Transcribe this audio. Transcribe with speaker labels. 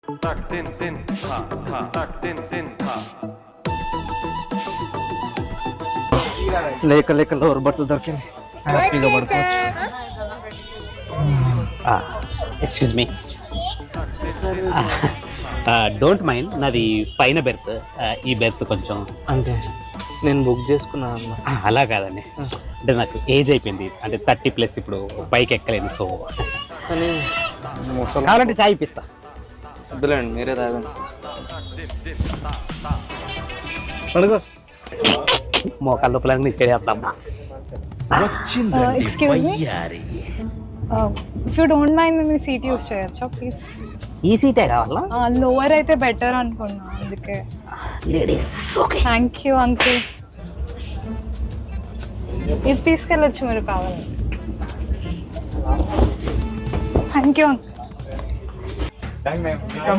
Speaker 1: లేక లేక lower birth దొరికింది, హ్యాపీగా పడుకోవచ్చు.
Speaker 2: ఎక్స్క్యూజ్ మీ, డోంట్ మైండ్, నాది పైన బెర్త్. ఈ బెర్త్ కొంచెం
Speaker 1: అంటే నేను బుక్ చేసుకున్నాను అన్న.
Speaker 2: అలా కాదండి, అంటే నాకు ఏజ్ అయిపోయింది, అంటే 30+ ఇప్పుడు పైకి ఎక్కలేను. సో
Speaker 1: కానీ ముసలి
Speaker 2: కావాలంటే చాయ్ ఇప్పిస్తా.
Speaker 1: వద్దులేండి, మీరే తాగండి. అడుగు.
Speaker 2: మోకాళ్ళ లోపల ఇక్కడే అట్లా.
Speaker 3: Excuse me, if you don't mind మీ సీట్ యూస్ చేయొచ్చా ప్లీజ్?
Speaker 2: ఈ సీటే కావాలా?
Speaker 3: లోవర్ అయితే బెటర్ అనుకున్నా, అందుకే.
Speaker 2: లేడీస్.
Speaker 3: Thank you uncle. ఇది తీసుకెళ్ళచ్చు మీరు కావాలి. Thank you uncle.